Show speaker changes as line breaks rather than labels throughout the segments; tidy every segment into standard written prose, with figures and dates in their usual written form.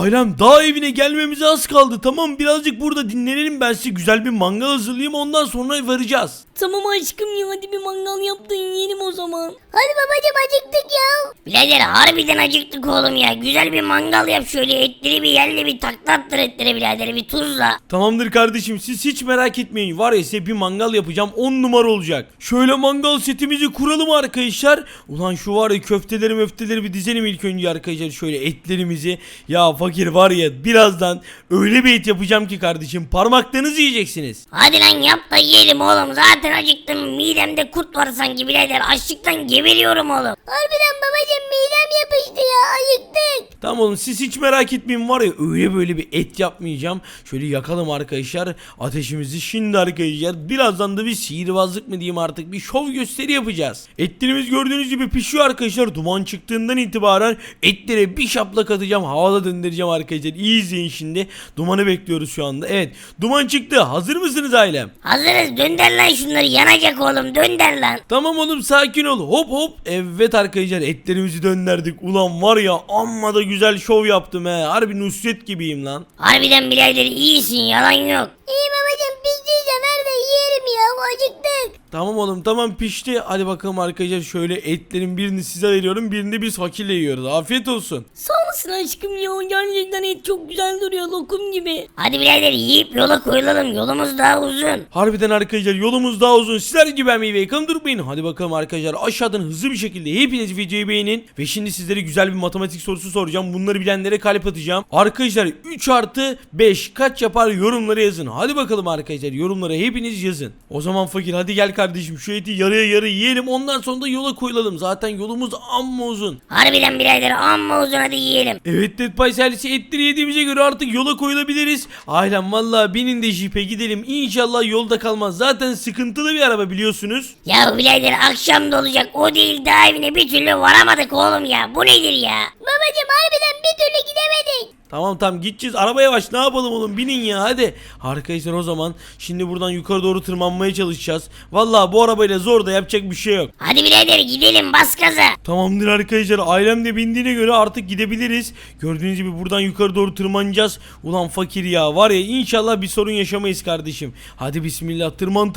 Ailem dağ evine gelmemize az kaldı. Tamam, birazcık burada dinlenelim, ben size güzel bir mangal hazırlayayım, ondan sonra varacağız.
Tamam aşkım ya, hadi bir mangal yap da yiyelim o zaman.
Hadi babacım, acıktık ya.
Birader harbiden acıktık oğlum ya. Güzel bir mangal yap, şöyle etleri bir yerle bir taklattır etleri birader, bir tuzla.
Tamamdır kardeşim, siz hiç merak etmeyin, var ya size bir mangal yapacağım, 10 numara olacak. Şöyle mangal setimizi kuralım arkadaşlar. Ulan şu var ya köfteleri bir dizelim ilk önce arkadaşlar, şöyle etlerimizi. Ya fakir var ya, birazdan öyle bir et yapacağım ki kardeşim, parmaklarınızı yiyeceksiniz.
Hadi lan yap da yiyelim oğlum. Zaten acıktım. Midemde kurt var sanki birader. Açlıktan geberiyorum oğlum.
Harbiden babacım, midem yapıştı ya, acıktık.
Tamam oğlum, siz hiç merak etmeyin, var ya öyle böyle bir et yapmayacağım. Şöyle yakalım arkadaşlar ateşimizi şimdi arkadaşlar. Birazdan da bir sihirbazlık mı diyeyim artık, bir şov gösteri yapacağız. Etlerimiz gördüğünüz gibi pişiyor arkadaşlar. Duman çıktığından itibaren etlere bir şaplak atacağım, havada döndüreceğim arkadaşlar. İyi izleyin şimdi. Dumanı bekliyoruz şu anda. Evet, duman çıktı. Hazır mısınız ailem?
Hazırız. Dönder lan şunları. Yanacak oğlum. Dönder lan.
Tamam oğlum, sakin ol. Hop hop. Evet arkadaşlar, etlerimizi döndürdük. Ulan var ya, amma da güzel şov yaptım he. Harbi Nusret gibiyim lan.
Harbiden birader iyisin. Yalan yok.
İyi babacım, piştiyse ver de yiyelim ya, acıktık.
Tamam oğlum, tamam pişti. Hadi bakalım arkadaşlar, şöyle etlerin birini size veriyorum, birini biz fakirle yiyoruz. Afiyet olsun.
Sağ olasın aşkım ya, gerçekten et çok güzel duruyor, lokum gibi.
Hadi birader yiyip yola koyulalım. Yolumuz daha uzun.
Harbiden arkadaşlar, yolumuz daha uzun. Sizler gibi ben meyve yakın durmayın. Hadi bakalım arkadaşlar, aşağıdan hızlı bir şekilde hepiniz videoyu beğenin. Ve şimdi sizlere güzel bir matematik sorusu soracağım. Bunları bilenlere kalp atacağım. Arkadaşlar 3 artı 5 kaç yapar, yorumlara yazın. Hadi bakalım arkadaşlar, yorumlara hepiniz yazın. O zaman fakir hadi gel kardeşim, şu eti yarıya yarı yiyelim, ondan sonra da yola koyulalım. Zaten yolumuz amma uzun.
Harbiden birader amma uzun, hadi yiyelim.
Evet, Dead Pie servisi etleri yediğimize göre artık yola koyulabiliriz. Ailem valla binin de jipe gidelim. İnşallah yolda kalmaz. Zaten sıkıntılı bir araba biliyorsunuz.
Ya birader akşam da olacak. O değil, daha evine bir türlü varamadık oğlum ya. Bu nedir ya?
Babacım harbiden bir türlü gidemedik.
Tamam gideceğiz. Araba yavaş, ne yapalım oğlum, binin ya hadi. Arkadaşlar o zaman şimdi buradan yukarı doğru tırmanmaya çalışacağız. Valla bu arabayla zor da yapacak bir şey yok.
Hadi birader gidelim, bas gaza.
Tamamdır arkadaşlar, ailem de bindiğine göre artık gidebiliriz. Gördüğünüz gibi buradan yukarı doğru tırmanacağız. Ulan fakir ya, var ya inşallah bir sorun yaşamayız kardeşim. Hadi bismillah,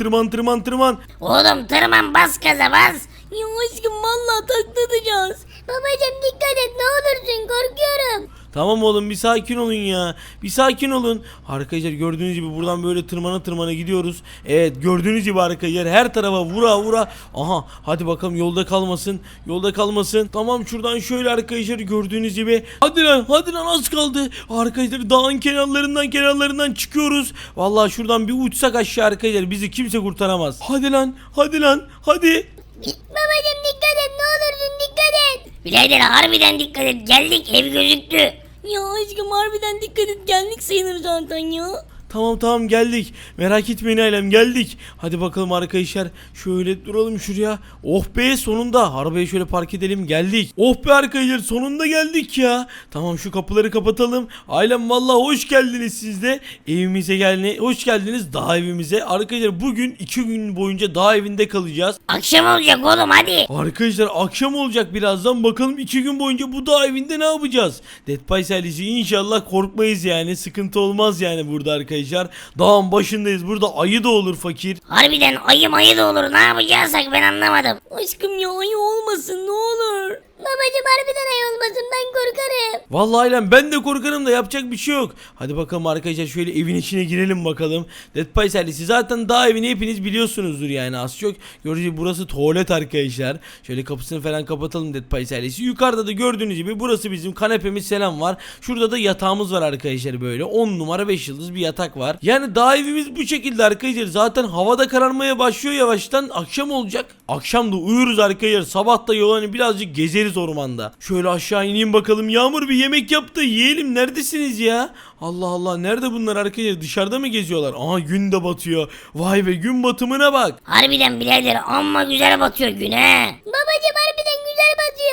tırman.
Oğlum tırman, bas gaza bas.
Ya aşkım vallahi taklatacağız.
Babacım dikkat et, ne olursun, korkuyorum.
Tamam oğlum, bir sakin olun ya. Bir sakin olun. Arkadaşlar gördüğünüz gibi buradan böyle tırmana gidiyoruz. Evet, gördüğünüz gibi arkadaşlar her tarafa vura. Aha, hadi bakalım yolda kalmasın. Tamam, şuradan şöyle arkadaşlar gördüğünüz gibi. Hadi lan az kaldı. Arkadaşlar dağın kenarlarından çıkıyoruz. Vallahi şuradan bir uçsak aşağı arkadaşlar, bizi kimse kurtaramaz. Hadi lan.
Babacım dikkat et, ne olursun dikkat et.
Birader harbiden dikkat et, geldik, ev gözüktü.
Ya aşkım harbiden dikkat et, geldik sayılır zaten ya.
Tamam geldik. Merak etmeyin ailem, geldik. Hadi bakalım arkadaşlar. Şöyle duralım şuraya. Oh be, sonunda. Arabayı şöyle park edelim, geldik. Oh be arkadaşlar, sonunda geldik ya. Tamam, şu kapıları kapatalım. Ailem vallahi hoş geldiniz siz de. Evimize hoş geldiniz, dağ evimize. Arkadaşlar bugün 2 gün boyunca dağ evinde kalacağız.
Akşam olacak oğlum hadi.
Arkadaşlar akşam olacak birazdan, bakalım 2 gün boyunca bu dağ evinde ne yapacağız? Dead Pie serisi inşallah korkmayız yani, sıkıntı olmaz yani burada arkadaşlar. Dağın başındayız, burada ayı da olur fakir.
Harbiden ayı da olur, ne yapacaksak ben anlamadım.
Aşkım ya, ayı olmasın ne olur.
Babacım harbiden ay olmasın, ben korkarım.
Vallahi ailem ben de korkarım da yapacak bir şey yok. Hadi bakalım arkadaşlar, şöyle evin içine girelim bakalım. Dead Pie serisi zaten dağ evini hepiniz biliyorsunuzdur yani, az çok. Gördüğünüz gibi burası tuvalet arkadaşlar. Şöyle kapısını falan kapatalım Dead Pie serisi. Yukarıda da gördüğünüz gibi burası bizim kanepemiz selam var. Şurada da yatağımız var arkadaşlar, böyle 10 numara 5 yıldız bir yatak var. Yani dağ evimiz bu şekilde arkadaşlar. Zaten havada kararmaya başlıyor yavaştan, akşam olacak. Akşam da uyuruz arkadaşlar. Sabah da yol birazcık gezeriz ormanda. Şöyle aşağı ineyim bakalım. Yağmur bir yemek yap da yiyelim. Neredesiniz ya? Allah Allah, nerede bunlar arkadaşlar? Dışarıda mı geziyorlar? Aha, gün de batıyor. Vay be, gün batımına bak.
Harbiden birader amma güzel batıyor gün he.
Babacım harbiden güzel batıyor.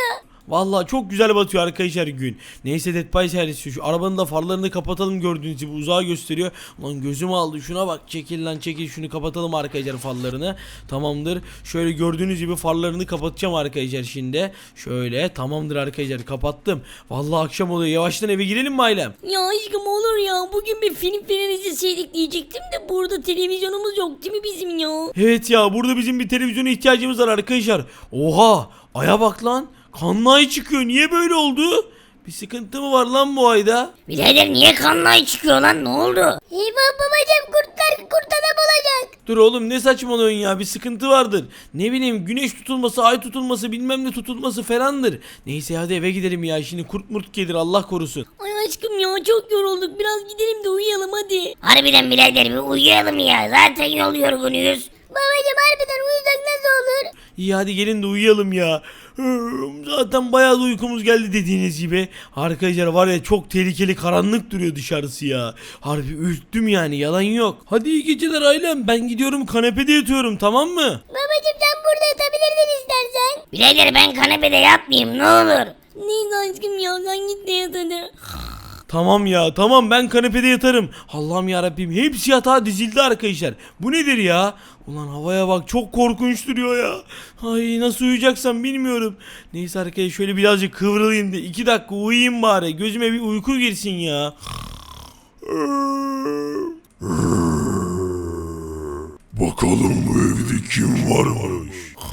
Vallahi çok güzel batıyor arkadaşlar gün. Neyse Dead by serisi şu arabanın da farlarını kapatalım, gördüğünüz gibi uzağa gösteriyor. Lan gözüm aldı, şuna bak, çekil lan çekil, şunu kapatalım arkadaşlar farlarını. Tamamdır. Şöyle gördüğünüz gibi farlarını kapatacağım arkadaşlar şimdi. Şöyle tamamdır arkadaşlar, kapattım. Vallahi akşam oluyor, yavaştan eve girelim mi ailem?
Ya aşkım olur ya. Bugün bir film falan izleseydik diyecektim de burada televizyonumuz yok değil mi bizim ya?
Evet ya, burada bizim bir televizyona ihtiyacımız var arkadaşlar. Oha, aya bak lan, kanlı ay çıkıyor, niye böyle oldu? Bir sıkıntı mı var lan bu ayda?
Birader niye kanlı ay çıkıyor lan, ne oldu?
Eyvah babacım, kurt adam olacak.
Dur oğlum, ne saçmalıyorsun ya, bir sıkıntı vardır. Ne bileyim, güneş tutulması, ay tutulması, bilmem ne tutulması falandır. Neyse hadi eve gidelim ya, şimdi kurt murt gelir Allah korusun.
Ay aşkım ya çok yorulduk. Biraz gidelim de uyuyalım hadi.
Harbiden birader bir uyuyalım ya, zaten yol yorgunuyuz.
Babacım harbiden uyusak nasıl olur?
İyi hadi gelin de uyuyalım ya. Zaten bayağı da uykumuz geldi dediğiniz gibi. Arkadaşlar var ya, çok tehlikeli, karanlık duruyor dışarısı ya. Harbi ürktüm yani, yalan yok. Hadi iyi geceler ailem, ben gidiyorum kanepede yatıyorum, tamam mı?
Babacım sen burada yatabilirdin istersen.
Birader ben kanepede yatmayayım, ne olur.
Neyse aşkım ya sen git de yat hadi.
Tamam ya, tamam, ben kanepede yatarım. Allah'ım yarabbim, hepsi yatağa dizildi arkadaşlar. Bu nedir ya? Ulan havaya bak, çok korkunç duruyor ya. Ay nasıl uyuyacaksam bilmiyorum. Neyse arkadaşlar, şöyle birazcık kıvrılayım da 2 dakika uyuyayım bari. Gözüme bir uyku girsin ya.
Bakalım bu evde kim varmış?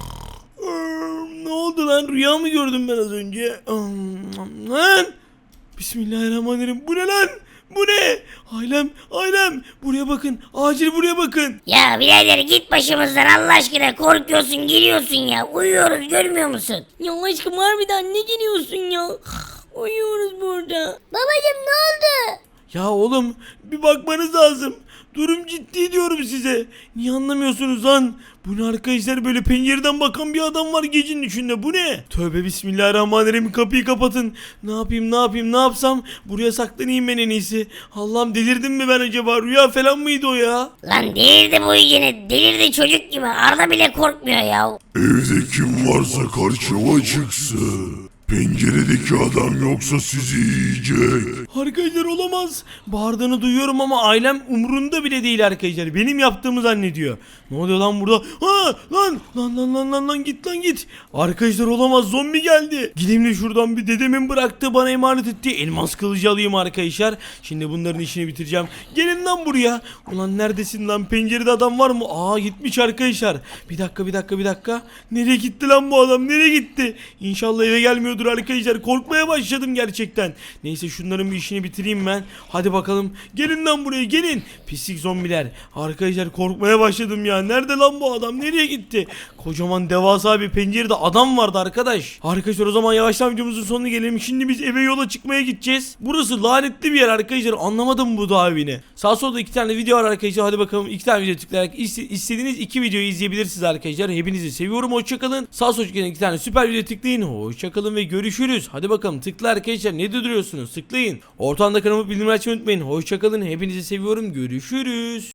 Ne oldu lan, rüya mı gördüm ben az önce? Lan! Bismillahirrahmanirrahim, bu ne lan? Bu ne? Ailem buraya bakın, acil buraya bakın.
Ya birader git başımızdan Allah aşkına, korkuyorsun giriyorsun ya, uyuyoruz görmüyor musun?
Ya aşkım harbiden ne geliyorsun ya? Uyuyoruz burada.
Babacım ne oldu?
Ya oğlum, bir bakmanız lazım. Durum ciddi diyorum size. Niye anlamıyorsunuz lan? Bu ne arkadaşlar, böyle pencereden bakan bir adam var gecenin içinde, bu ne? Tövbe bismillahirrahmanirrahim, kapıyı kapatın. Ne yapayım ne yapsam? Buraya saklanayım ben en iyisi. Allah'ım, delirdim mi ben acaba? Rüya falan mıydı o ya?
Lan delirdi bu yine, delirdi çocuk gibi, Arda bile korkmuyor ya.
Evde kim varsa karşıma çıksın. Penceredeki adam yoksa sizi yiyecek.
Arkadaşlar olamaz. Bağırdığını duyuyorum ama ailem umurunda bile değil arkadaşlar. Benim yaptığımı zannediyor. Ne oluyor lan burada? Ha lan git. Arkadaşlar olamaz, zombi geldi. Gideyim de şuradan bir dedemin bıraktığı, bana emanet ettiği elmas kılıcı alayım arkadaşlar. Şimdi bunların işini bitireceğim. Gelin lan buraya. Ulan neredesin lan? Pencerede adam var mı? Aa, gitmiş arkadaşlar. Bir dakika. Nereye gitti lan bu adam? Nereye gitti? İnşallah eve gelmiyordur arkadaşlar. Korkmaya başladım gerçekten. Neyse şunların bir işini bitireyim ben. Hadi bakalım. Gelin lan buraya, gelin. Pislik zombiler. Arkadaşlar korkmaya başladım ya. Nerede lan bu adam? Nereye gitti? Kocaman devasa bir pencerede adam vardı arkadaş. Arkadaşlar o zaman yavaştan videomuzun sonuna gelelim. Şimdi biz eve, yola çıkmaya gideceğiz. Burası lanetli bir yer arkadaşlar. Anlamadım bu dağ evini. Sağ solda 2 tane video var arkadaşlar. Hadi bakalım 2 tane video tıklayarak istediğiniz 2 videoyu izleyebilirsiniz arkadaşlar. Hepinizi seviyorum. Hoşçakalın. Sağ sol çıkan 2 tane süper video tıklayın. Hoşçakalın ve görüşürüz. Hadi bakalım tıkla arkadaşlar. Ne duruyorsunuz? Tıklayın. Ortamda kanalıma bildirim açmayı unutmayın. Hoşçakalın. Hepinizi seviyorum. Görüşürüz.